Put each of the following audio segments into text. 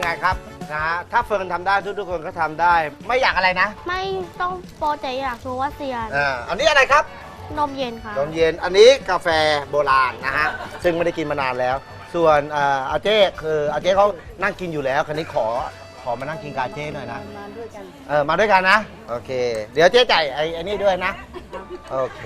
ไงครับนะฮะถ้าเฟิร์นทำได้ทุกคนก็ทำได้ไม่อยากอะไรนะไม่ต้องโปรแต่อยากรู้ว่าเซียนอันนี้อะไรครับนมเย็นค่ะตอนเย็นอันนี้กาแฟโบราณนะฮะซึ่งไม่ได้กินมานานแล้ว ส่วนอาเจ้คืออาเจ้เขานั่งกินอยู่แล้วคันนี้ขอมานั่งกินกบอาเจ้หน่อยนะมาด้วยกันมาด้วยกันนะโอเค เดี๋ยวเจ๊จ่ายไอ้นี่ด้วยนะโอเค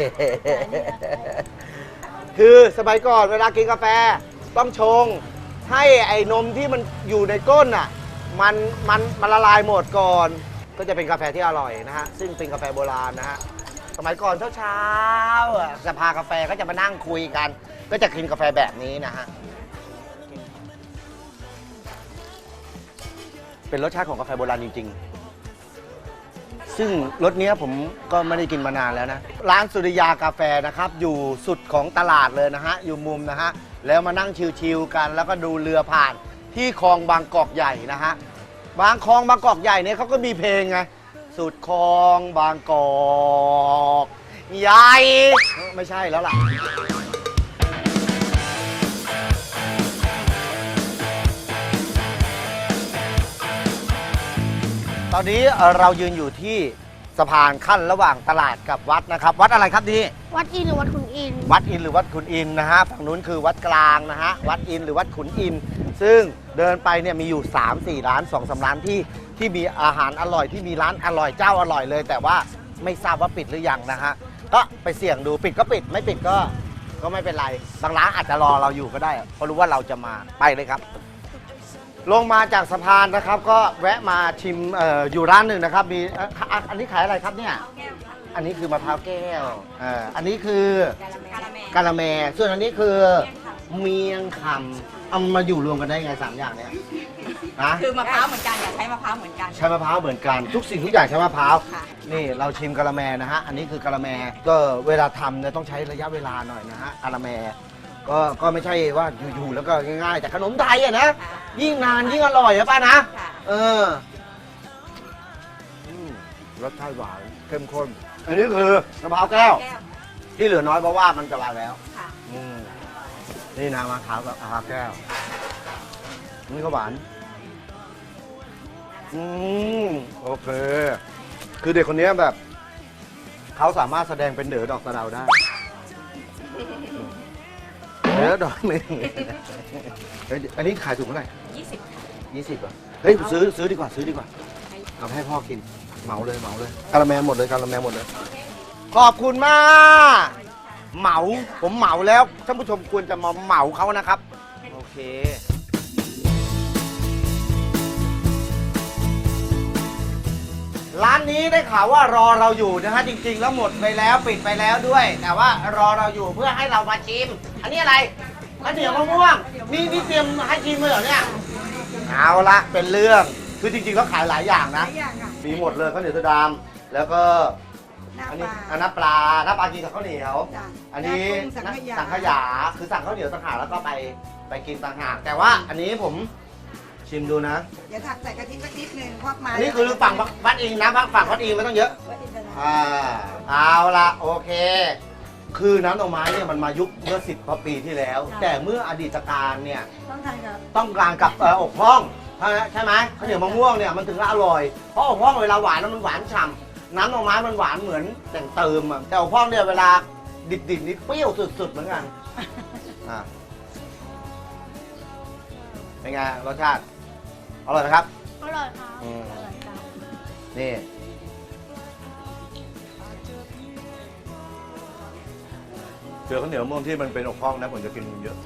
คือสมัยก่อนเวลากินกาแฟต้องชงให้ไอ้นมที่มันอยู่ในก้นอ่ะมันละลายหมดก่อน ก็จะเป็นกาแฟที่อร่อยนะฮะซึ่งเป็นกาแฟโบราณนะฮะสมัยก่อนเช้าๆสภากาแฟก็จะมานั่งคุยกัน ก็จะกินกาแฟแบบนี้นะฮะเป็นรสชาติของกาแฟโบราณจริงๆซึ่งรสนี้ผมก็ไม่ได้กินมานานแล้วนะร้านสุริยากาแฟนะครับอยู่สุดของตลาดเลยนะฮะอยู่มุมนะฮะแล้วมานั่งชิลๆกันแล้วก็ดูเรือผ่านที่คลองบางกอกใหญ่นะฮะบางคลองบางกอกใหญ่เนี่ยเขาก็มีเพลงไงสุดคลองบางกอกใหญ่ไม่ใช่แล้วล่ะตอนนี้เรายืนอยู่ที่สะพานขั้นระหว่างตลาดกับวัดนะครับวัดอะไรครับนี่วัดอินหรือวัดขุนอินวัดอินหรือวัดขุนอินนะฮะฝั่งนู้นคือวัดกลางนะฮะวัดอินหรือวัดขุนอินซึ่งเดินไปเนี่ยมีอยู่ 3-4 ร้าน 2-3 ร้านที่มีอาหารอร่อยที่มีร้านอร่อยเจ้าอร่อยเลย แต่ว่าไม่ทราบว่าปิดหรือยังนะฮะก็ไปเสี่ยงดูปิดก็ปิดไม่ปิดก็ไม่เป็นไรบางร้านอาจจะรอเราอยู่ก็ได้เพราะรู้ว่าเราจะมาไปเลยครับลงมาจากสะพานนะครับก็แวะมาชิมอยู่ร้านหนึ่งนะครับมีอันนี้ขายอะไรครับเนี่ยอันนี้คือมะพร้าวแก้วอันนี้คือกะละแมส่วนอันนี้คือเมียงคำเอามาอยู่รวมกันได้ไง3อย่างเนี่ยนะคือมะพร้าวเหมือนกันอยากใช้มะพร้าวเหมือนกันใช้มะพร้าวเหมือนกันทุกสิ่งทุกอย่างใช้มะพร้าวค่ะนี่เราชิมกะละแมนะฮะอันนี้คือกะละแมก็เวลาทำเนี่ยต้องใช้ระยะเวลาหน่อยนะฮะกะละแมก็ไม่ใช่ว่าอยู่ๆแล้วก็ง่ายๆแต่ขนมไทยอะนะยิ่งนานยิ่งอร่อยอะป้านะค่ะรสชาติหวานเข้มข้นอันนี้คือมะพร้าวแก้วแก้วที่เหลือน้อยเพราะว่ามันจะวางแล้วค่ะนี่นะมะพร้าวกับมะพร้าวแก้วนี่ก็หวานโอเคคือเด็กคนนี้แบบเขาสามารถแสดงเป็นเด๋อดอกสะเดาได้เด๋อดอกหนึ่งอันนี้ขายถูกเท่าไหร่ 20 20อ่ะเฮ้ยซื้อดีกว่าเอาให้พ่อกินเหมาเลยกะละแมหมดเลยขอบคุณมากเหมาผมเหมาแล้วท่านผู้ชมควรจะมาเหมาเขานะครับโอเคร้านนี้ได้ข่าวว่ารอเราอยู่นะฮะจริงๆแล้วหมดไปแล้วปิดไปแล้วด้วย แต่ว่ารอเราอยู่เพื่อให้เรามาชิมอันนี้อะไรข้าวเหนียวมะม่วงนี่เตรียมให้ชิมเลยเหรอเนี่ยเอาละเป็นเรื่องคือจริงๆเขาขายหลายอย่างนะมีหมดเลยข้าวเหนียวสะดำแล้วก็อันนี้น้ำปลากินกับข้าวเหนียวอันนี้สังขยาคือสั่งข้าวเหนียวต่างหากแล้วก็ไปกินต่างหากแต่ว่าอันนี้ผมชิมดูนะเดี๋ยวถักใส่กะทิสักนิดนึงควักมานี่คือฝั่งวัดอิงนะฝั่งวัดอิงไม่ต้องเยอะเอาละโอเค คือน้ำดอกไม้เนี่ยมันมายุคเมื่อ10 กว่าปีที่แล้ว แต่เมื่ออดีตการเนี่ยต้องทานกับต้องการกับอกพ่องใช่ไหมข้าวเหนียวมะม่วงเนี่ยมันถึงจะอร่อยเพราะอกพ่องเวลาหวานแล้วมันหวานฉ่ำน้ำดอกไม้มันหวานเหมือนแต่งเติมอะแต่อกพ่องเนี่ยเวลาดิบๆนี่เปรี้ยวสุดๆเหมือนกันเป็นไงรสชาติอร่อยไหมครับอร่อยค่ะนี่เจอข้าวเหนียวมะม่วงที่มันเป็นอกพ่องนะผมจะกินเยอะ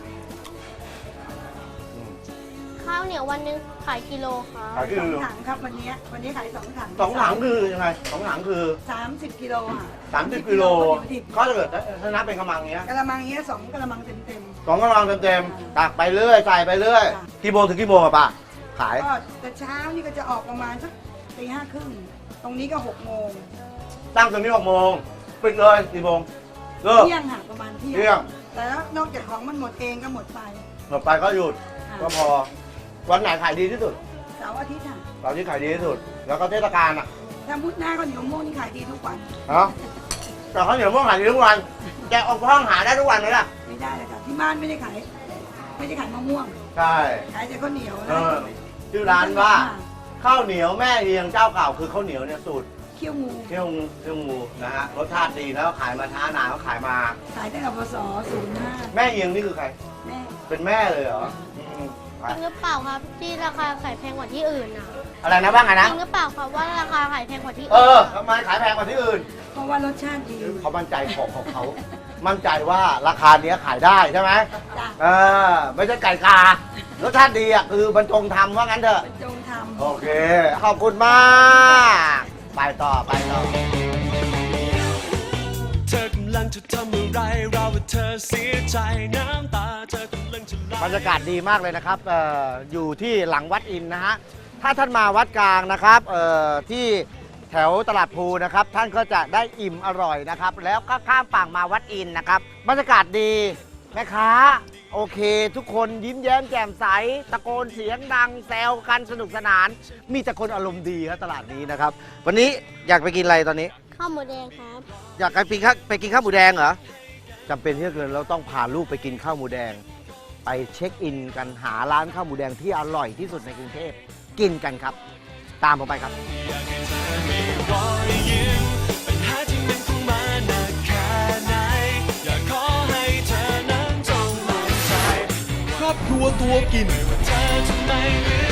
ข้าวเหนียววันหนึงขายกิโลค่ะขายคือ 2 ถังครับวันนี้ขาย2 ถัง 2 ถังคือยังไง2 ถังคือ 30 กิโลค่ะ 30 กิโลก็จะเกิดถ้านับเป็นกำลังเงี้ยกะละมังเงี้ย2กะละมังเต็ม 2กำลังเต็มๆตักไปเรื่อยใส่ไปเรื่อยกี่โมงถึงกี่โมงอะป้าขายๆก็แต่เช้านี่ก็จะออกประมาณสักตี 5:30ตรงนี้ก็6 โมงตั้งตรงนี้6 โมงปิดเลยกี่โมงเลิกเที่ยงค่ะประมาณเที่เที่ยงแต่แล้วนอกจากของมันหมดเองก็หมดไปหมดไปก็หยุดก็พอวันไหนขายดีที่สุดเสาร์อาทิตย์ค่ะตอนที่ขายดีที่สุดแล้วก็เทศกาลอะถ้ามุดหน้าข้าวเหนียวมะม่วงนี่ขายดีทุกวันเนาะแต่ข้าวเหนียวมะม่วงขายดีทุกวันแกออกห้องหาได้ทุกวันเลยล่ะไม่ได้เลยค่ะที่บ้านไม่ได้ขายมะม่วงใช่ขายแต่ข้าวเหนียวเออชื่อร้านว่าข้าวเหนียวแม่เฮียงเจ้าเก่าคือข้าวเหนียวเนี่ยสูตรเคี่ยวงูเที่ยวงูนะฮะรสชาติดีแล้วขายมาช้านานเขาขายมาขายตั้งแต่พศ05 แม่เฮียงนี่คือใครแม่เป็นแม่เลยเหรอไปจริงหรือเปล่าครับที่ราคาขายแพงกว่าที่อื่นนะอะไรนะบ้างไงจนะริงหรือเปล่าครับว่าราคาขายแพงกว่าที่เออื่อน ทำไมขายแพงกว่าที่อื่นเพราะว่ารสชาติดีเขามั่นใจของเขา มั่นใจว่าราคาเนี้ยขายได้ใช่ไหมจ้ะเออไม่ใช่ไก่การสชาติดีอ่ะคือบรรจงทำว่างั้นเถอะจงทำโอเค ขอบคุณมาก ไปต่อเธอกำลังจะทำอะไรเราว่าเธอเสียใจน้ำตาเธอกำลังจะไหลบรรยากาศดีมากเลยนะครับอยู่ที่หลังวัดอินทร์นะฮะ ถ้าท่านมาวัดกลางนะครับที่แถวตลาดภูนะครับ ท่านก็จะได้อิ่มอร่อยนะครับ แล้วก็ข้ามฝั่งมาวัดอินทร์นะครับ บรรยากาศดีแม่ค้าโอเค ทุกคนยิ้มแย้มแจ่มใส ตะโกนเสียงดังแซวกันสนุกสนาน มีแต่คนอารมณ์ดีครับตลาดนี้นะครับ วันนี้อยากไปกินอะไรตอนนี้ข้าวหมูแดงครับอยากไปกินข้าวหมูแดงเหรอจำเป็นที่จะเกินเราต้องพาลูกไปกินข้าวหมูแดง ไปเช็คอินกันหาร้านข้าวหมูแดงที่อร่อยที่สุดในกรุงเทพกินกันครับ ตามผมไปครับรอยยิ้มปัญหาที่มันคงมาหนักแค่ไหนอยากขอให้เธอนั้นจงมั่นใจครอบครัวตัวกินเธอจะไม่เหลือ